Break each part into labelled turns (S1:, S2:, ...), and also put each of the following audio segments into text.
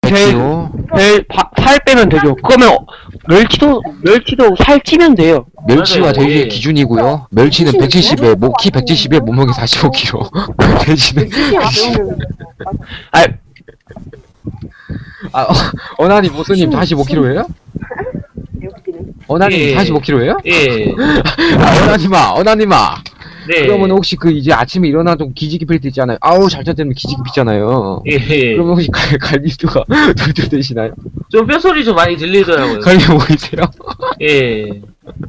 S1: 살 빼면 되죠. 그러면 멸치도 살 찌면 돼요.
S2: 멸치와
S3: 맞아요.
S2: 돼지의
S3: 예.
S2: 기준이고요. 멸치는 170에 키 170에 몸무게 45kg. 돼지는
S1: 아,
S2: 어나니 모스님 45kg예요? 어나님
S3: 예.
S2: 45kg예요?
S3: 예.
S2: 어나니마.
S3: 네.
S2: 그러면 혹시 그 이제 아침에 일어나도 기지개 필 때 있잖아요. 아우 잘 잤다면 기지개 피잖아요.
S3: 예.
S2: 그러면 혹시 갈비뼈가 돌돌 되시나요?
S3: 좀 뼈소리 좀 많이 들리더라고요.
S2: 갈비 보이세요?
S3: 예.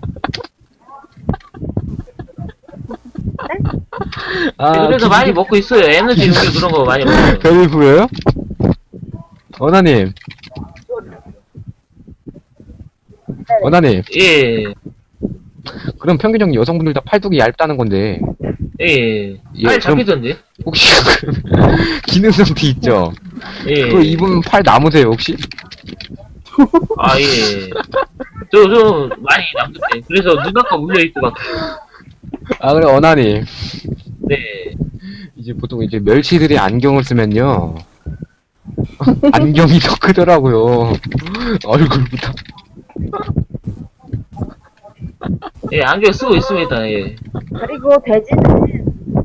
S3: 그래서 많이 먹고 있어요. 에너지 음료 그런 거 많이 먹어요.
S2: 갈비 보여요? 어나님. 어나님.
S3: 예.
S2: 그럼 평균적인 여성분들 다 팔뚝이 얇다는 건데
S3: 예.
S2: 예,
S3: 팔
S2: 그럼-
S3: 잡히던데?
S2: 혹시 기능 상태 있죠?
S3: 예.
S2: 그거 입으면 팔 남으세요 혹시?
S3: 아, 예. 좀 많이 남던데. 그래서 눈앞과 물려있고 막.
S2: 아 그래 어나님
S3: 네.
S2: 이제 보통 이제 멸치들이 안경을 쓰면요 안경이 더 크더라고요 얼굴보다.
S3: 예, 안경 쓰고 있습니다. 예.
S4: 그리고 돼지는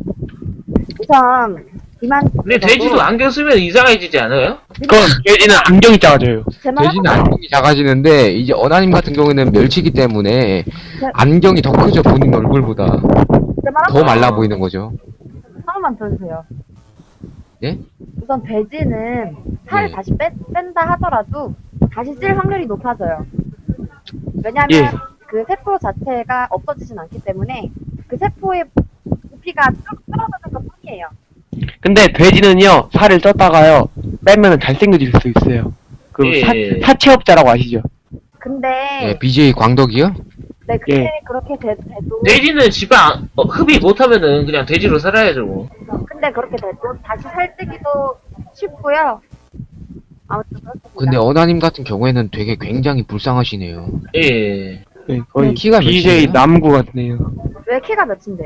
S4: 우선 이만.
S3: 근데 돼지도 안경 쓰면 이상해지지 않아요?
S1: 그건 돼지는 안경이 작아져요.
S2: 돼지는 안경이 작아지는데 이제 어나님 같은 경우에는 멸치기 때문에 안경이 더 크죠 본인 얼굴보다. 더 말라 보이는 거죠.
S4: 하나만 더 주세요.
S2: 예?
S4: 우선 돼지는 살을
S2: 예.
S4: 다시 뺀다 하더라도 다시 찔 확률이 높아져요. 왜냐면
S1: 예.
S4: 그 세포 자체가 없어지진 않기 때문에 그 세포의 부피가 쭉 줄어드는 것 뿐이에요.
S1: 근데 돼지는요, 살을 쪘다가요, 빼면은 잘생겨질 수 있어요. 그
S3: 예.
S4: 네.
S1: 사체업자라고 아시죠?
S4: 근데
S2: 예, BJ 광덕이요?
S4: 네, 근데
S1: 예.
S4: 그렇게 돼도
S3: 돼지는 지방 흡입 못하면은 그냥 돼지로 살아야죠. 뭐.
S4: 근데 그렇게 돼도 다시 살찌기도 쉽고요. 아무튼 그렇습니다.
S2: 근데 어나님 같은 경우에는 되게 굉장히 불쌍하시네요.
S3: 예.
S1: 네, 거의
S2: 키가
S1: BJ
S2: 몇이에요?
S1: 남구 같네요.
S4: 왜 키가 몇인데요?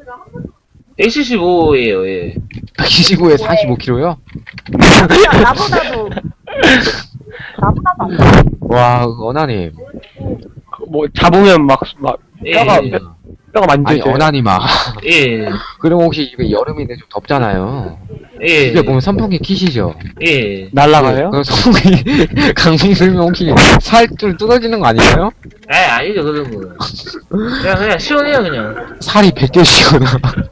S3: 175예요. 예.
S2: 125에 45kg요?
S4: 나보다도 안 돼.
S2: 와, 어나님.
S1: 뭐, 잡으면 막
S3: 예.
S1: 뼈가
S2: 아니,
S1: 만져져요.
S2: 어나님아.
S3: 예.
S2: 그럼 혹시 이게 여름인데 좀 덥잖아요.
S3: 예.
S2: 집에 보면 선풍기 키시죠?
S3: 예.
S1: 날라가요?
S2: 그럼 선풍기, 강풍 들면 혹시 살좀 뜯어지는 거 아닌가요?
S3: 아, 아니죠. 그런 거. 그냥 시원해요, 그냥.
S2: 살이 벗겨지거나.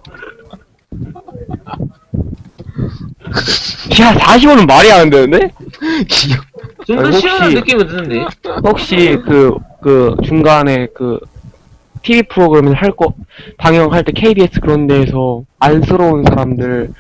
S1: 야, 45는 말이 안 되는데?
S2: 귀여워.
S3: 좀 더
S1: 혹시-
S3: 시원한 느낌이 드는데.
S1: 혹시 그 중간에 그 TV 프로그램을 방영할 때 KBS 그런 데에서 안쓰러운 사람들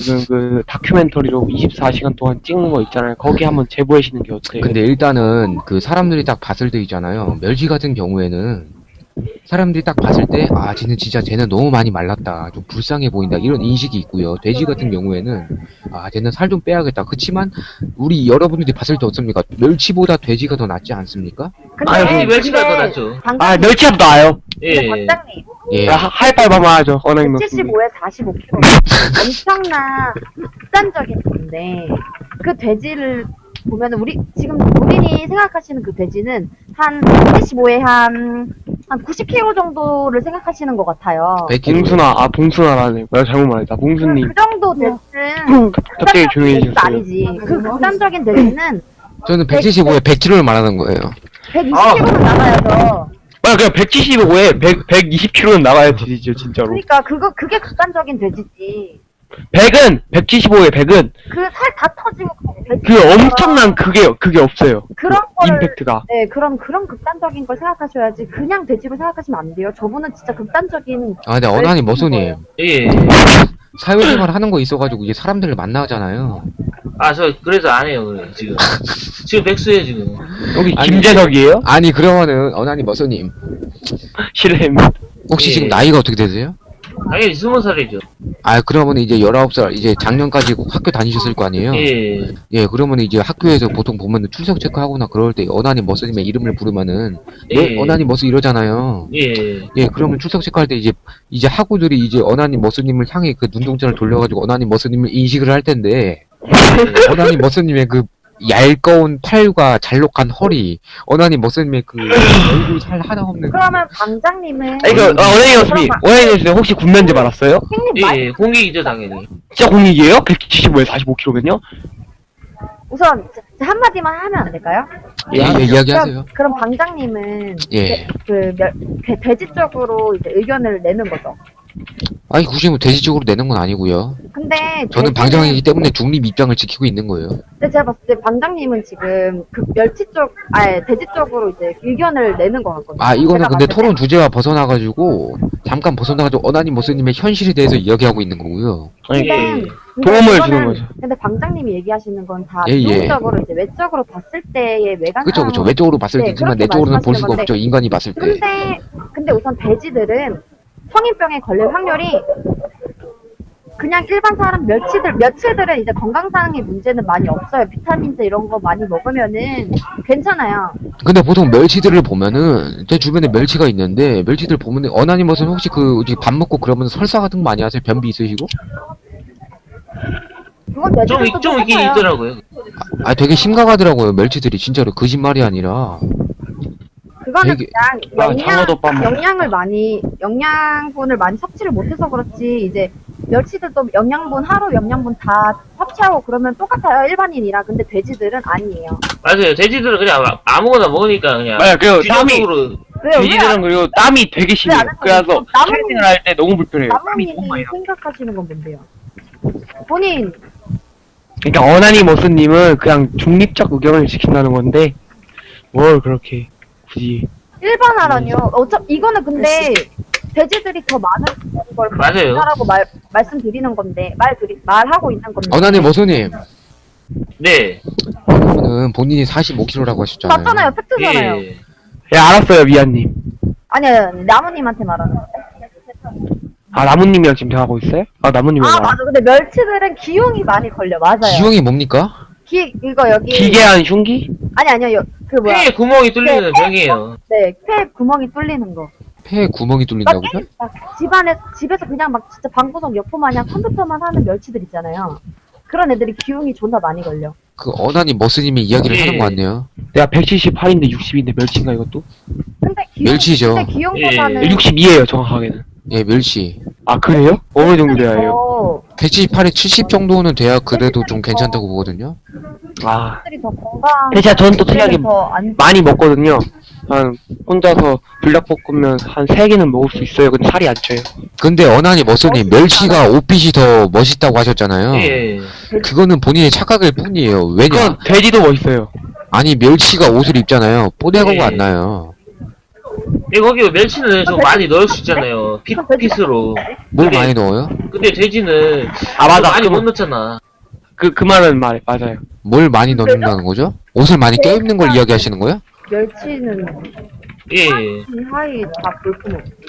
S1: 그 다큐멘터리로 24시간 동안 찍는 거 있잖아요. 거기 한번 제보해시는 게 어때요?
S2: 근데 일단은 그 사람들이 딱 봤을 때 있잖아요. 멸치 같은 경우에는 사람들이 딱 봤을 때, 아, 쟤는 너무 많이 말랐다. 좀 불쌍해 보인다. 이런 인식이 있고요. 돼지 같은 경우에는, 아, 쟤는 살 좀 빼야겠다. 그치만, 우리 여러분들이 봤을 때 어떻습니까? 멸치보다 돼지가 더 낫지 않습니까?
S4: 근데
S1: 아니,
S3: 멸치가 더
S4: 근데
S3: 낫죠.
S1: 아, 멸치압 나아요.
S3: 예.
S4: 박장님
S2: 예.
S1: 하이파이브 한번 하죠. 어나님 놓습니다.
S4: 75에 45kg 엄청난 극단적인 건데 그 돼지를 보면 우리 지금 본인이 생각하시는 그 돼지는 한 75에 한 90kg 정도를 생각하시는 것 같아요.
S2: 100kg.
S1: 봉순아라네. 내가 잘못 말했다. 봉순님.
S4: 그 정도 돼지는
S1: 갑자기 조용해지셨어요.
S4: 아니지. 그 극단적인 돼지는
S2: 저는 175에 100kg를 말하는 거예요.
S4: 120kg는 나가야죠.
S1: 그냥 175에 120kg는 나가야 되죠, 진짜로.
S4: 그러니까 그게 극단적인 돼지지.
S1: 100은, 175에 100은,
S4: 그 살 다 터지고 돼지.
S1: 그 엄청난 그게 없어요.
S4: 그런 거를
S1: 임팩트가.
S4: 네, 그런 극단적인 걸 생각하셔야지. 그냥 돼지로 생각하시면 안 돼요. 저분은 진짜 극단적인.
S2: 아, 근데 어나님 머소님.
S3: 예.
S2: 사회생활 하는 거 있어가지고 이제 사람들을 만나잖아요.
S3: 아, 저 그래서 안 해요, 그래, 지금. 지금 백수예요, 지금.
S1: 여기
S2: 아니,
S1: 김재석이에요?
S2: 아니, 그러면은, 어나님 머소님.
S1: 실례입니다.
S2: 혹시
S3: 예.
S2: 지금 나이가 어떻게 되세요?
S3: 당연히 20살이죠.
S2: 아, 그러면 이제 19살, 이제 작년까지 학교 다니셨을 거 아니에요?
S3: 예.
S2: 예, 그러면 이제 학교에서 보통 보면 출석 체크하거나 그럴 때 어나님 머스님의 이름을 부르면은 네,
S3: 예.
S2: 어나님 머스 이러잖아요.
S3: 예.
S2: 예, 그러면 출석 체크할 때 이제 학우들이 이제 어나님 머스님을 향해 그 눈동자를 돌려가지고 어나님 머스님을 인식을 할 텐데 어나님 머스님의 그 얇거운 팔과 잘록한 허리, 어나니 머스님의 그 얼굴 살 하나 없는.
S4: 그러면 방장님은
S1: 아니, 원행이었으면 혹시 군면제 받았어요?
S4: 형님 말
S3: 예, 공익이죠, 당연히.
S1: 진짜 공익이에요? 175에 45kg면요?
S4: 우선 한마디만 하면 안 될까요?
S2: 예, 이야기하세요.
S4: 그럼 방장님은
S2: 예.
S4: 돼지 쪽으로 이제 의견을 내는 거죠.
S2: 아니 굳이 뭐 돼지 쪽으로 내는 건 아니고요.
S4: 근데
S2: 저는
S4: 돼지는-
S2: 방장이기 때문에 중립 입장을 지키고 있는 거예요.
S4: 근데 제가 봤을 때 방장님은 지금 그 돼지 쪽으로 이제 의견을 내는 것 같거든요.
S2: 아 이거는
S4: 제가
S2: 근데
S4: 봤을 때.
S2: 토론 주제가 벗어나가지고 잠깐 벗어나가지고 어나니 머스님의 현실에 대해서 이야기하고 있는 거고요.
S1: 아니,
S4: 근데
S1: 도움을
S4: 이거는-
S1: 주는 거죠.
S4: 근데 방장님이 얘기하시는 건 다
S2: 예, 예.
S4: 비용적으로 이제 외적으로 봤을 때의 외관
S2: 그쵸 그쵸.
S4: 상황-
S2: 외적으로 봤을
S4: 네,
S2: 때 있지만
S4: 그렇게
S2: 내적으로는 볼 수가
S4: 말씀하시는
S2: 없죠. 인간이 봤을 때.
S4: 근데 우선 돼지들은 성인병에 걸릴 확률이 그냥 일반 사람 멸치들은 이제 건강상의 문제는 많이 없어요. 비타민제 이런 거 많이 먹으면은 괜찮아요.
S2: 근데 보통 멸치들을 보면은 제 주변에 멸치가 있는데 멸치들 보면은 어나니 머스님 혹시 그 밥 먹고 그러면서 설사 같은 거 많이 하세요? 변비 있으시고?
S4: 그건 돼지들도
S3: 좀 있긴
S4: 똑같아요.
S3: 있더라고요.
S2: 아 되게 심각하더라고요. 멸치들이 진짜로 거짓말이 아니라.
S4: 그거는
S2: 되게-
S4: 그냥
S1: 장어도 밥 먹어.
S4: 영양분을 많이 섭취를 못해서 그렇지 이제 멸치들도 하루 영양분 다 섭취하고 그러면 똑같아요 일반인이랑. 근데 돼지들은 아니에요.
S3: 맞아요. 돼지들은 그냥 아무거나 먹으니까 그냥.
S1: 맞아요. 그리고 땀이,
S3: 규정적으로.
S1: 돼지들은 그리고 땀이 되게 심해요.
S4: 안
S1: 그래서
S4: 하세요?
S1: 트레이닝을 할 때 너무 불편해요. 땀이 너무
S4: 나무님이
S1: 많이 나.
S4: 생각하시는 건 뭔데요? 본인
S1: 그러니까 어나니 머스님은 그냥 중립적 의견을 지킨다는 건데 뭘 그렇게 굳이
S4: 일반화라뇨. 어차피 이거는 근데 돼지들이 더 많은 걸
S3: 맞아요.
S4: 라고 말씀드리는 건데 말하고 있는 건데.
S2: 어나니 머스님.
S3: 네.
S2: 그러면은 본인이 45kg라고 하셨잖아요.
S4: 맞잖아요. 팩트잖아요.
S3: 예.
S1: 예 알았어요 미안님.
S4: 아니요 나무님한테 말하는 거.
S1: 아 나무님이랑 지금 대화하고 있어요? 아 나무님이랑
S4: 아 맞아. 근데 멸치들은 기흉이 많이 걸려. 맞아요.
S2: 기형이 뭡니까?
S4: 이거 여기
S1: 기괴한 흉기?
S4: 아니요. 그 뭐야?
S3: 폐에 구멍이 뚫리는 병이에요.
S4: 네, 폐 구멍이 뚫리는 거.
S2: 폐에 구멍이 뚫린다고요?
S4: 막 집에서 그냥 막 진짜 방구석 여포 마냥 컴퓨터만 하는 멸치들 있잖아요. 그런 애들이 기흉이 존나 많이 걸려.
S2: 그 어나니 머스님이 이야기를
S3: 예.
S2: 하는 거 같네요.
S1: 내가 178인데 60인데 멸치인가 이것도?
S4: 근데
S2: 멸치죠.
S4: 근데 기흉보다는
S1: 62에요 정확하게는.
S2: 예, 멸치.
S1: 아 그래요? 어느 정도 돼야 해요?
S4: 더
S2: 178에 70 정도는 돼야 그래도 좀 괜찮다고 보거든요.
S1: 아
S4: 녀석들이 더 건강.
S1: 대체 저는 또 특이하게
S4: 더안
S1: 많이 먹거든요. 한 혼자서 불닭볶음면 한 3개는 먹을 수 있어요. 근데 살이 안 쪄요.
S2: 근데 어나니 머스님 멸치가 옷빛이 더 멋있다고 하셨잖아요.
S3: 예.
S2: 그거는 본인의 착각일 뿐이에요. 왜냐?
S1: 그건 돼지도 멋있어요.
S2: 아니 멸치가 옷을 입잖아요. 뽀대가가
S3: 예.
S2: 안 나요.
S3: 이 거기 멸치는 좀 많이 넣을 수 있잖아요. 핏으로.
S2: 뭘
S3: 근데-
S2: 많이 넣어요?
S3: 근데 돼지는
S1: 아 맞아.
S3: 많이 못 넣잖아.
S1: 그 말은 맞아요.
S2: 뭘 많이 넣는다는 거죠? 옷을 많이 껴입는 걸 이야기하시는 거예요?
S4: 멸치는
S3: 예.
S4: 하이 다 볼품 없고.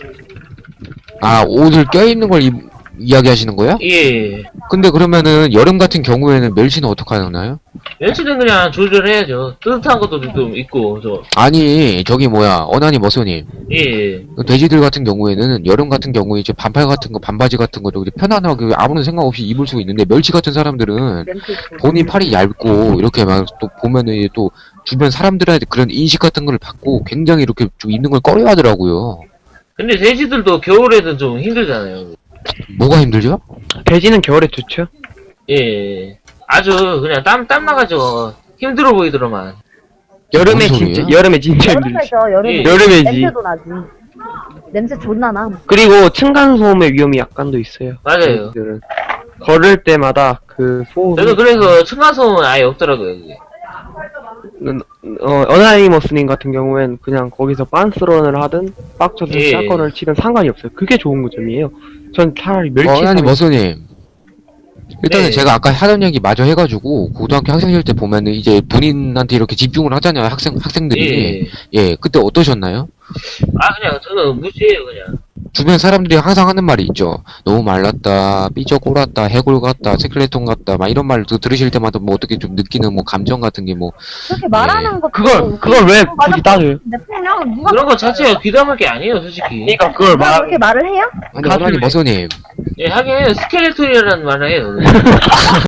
S2: 아 옷을 껴입는 걸 이야기하시는 거예요?
S3: 예.
S2: 근데 그러면은 여름 같은 경우에는 멸치는 어떻게 하나요?
S3: 멸치는 그냥 조절해야죠. 뜨뜻한 것도 좀 있고,
S2: 아니 저기 뭐야 어나니 머스님
S3: 예.
S2: 그 돼지들 같은 경우에는 여름 같은 경우에 이제 반팔 같은 거 반바지 같은 거 저기 편안하게 아무런 생각 없이 입을 수가 있는데 멸치 같은 사람들은
S4: 렌트
S2: 본인 팔이 얇고 이렇게 막 또 보면은 이제 또 주변 사람들한테 그런 인식 같은 걸 받고 굉장히 이렇게 좀 있는 걸 꺼려 하더라고요.
S3: 근데 돼지들도 겨울에는 좀 힘들잖아요.
S2: 뭐가 힘들죠?
S1: 돼지는 겨울에 좋죠.
S3: 예. 아주 그냥 땀 나가지고 힘들어 보이더만.
S1: 여름에
S2: 뭔
S1: 진짜
S2: 소리예요?
S1: 여름에 진짜 힘들지.
S4: 여름에죠. 여름에.
S3: 예.
S1: 여름에지.
S4: 냄새도 나지. 냄새 존나 나.
S1: 그리고 층간 소음의 위험이 약간 더 있어요.
S3: 맞아요.
S1: 돼지들은. 걸을 때마다 그 소음이
S3: 저도 그래서 층간소음은 아예 없더라고요. 그게.
S1: 어나니머스님 같은 경우엔 그냥 거기서 빤스런을 하든 빡쳐서
S3: 예.
S1: 사건을 치든 상관이 없어요. 그게 좋은 점이에요. 전 차라리 멸치
S2: 어나니 머스님 일단은
S3: 네.
S2: 제가 아까 하던 얘기 마저 해가지고 고등학교 학생일 때 보면은 이제 본인한테 이렇게 집중을 하잖아요 학생들이 예 그때 어떠셨나요?
S3: 아, 그냥 저는 무시해요, 그냥.
S2: 주변 사람들이 항상 하는 말이 있죠. 너무 말랐다, 삐져 꼴았다, 해골 같다, 스켈레톤 같다, 막 이런 말 들으실 때마다 뭐 어떻게 좀 느끼는 뭐 감정 같은 게 뭐
S4: 그렇게 말하는 것도.
S1: 그걸 왜 굳이 따져요?
S4: 근데 그냥 누가
S3: 그런 거 자체가 귀담할 게 아니에요, 솔직히.
S1: 그러니까 그걸
S4: 누가 그렇게 말을 해요?
S2: 아니
S1: 가슴에-
S2: 어머니 머서님
S3: 예, 하긴 해요. 스켈레톤이라는 말을 해요.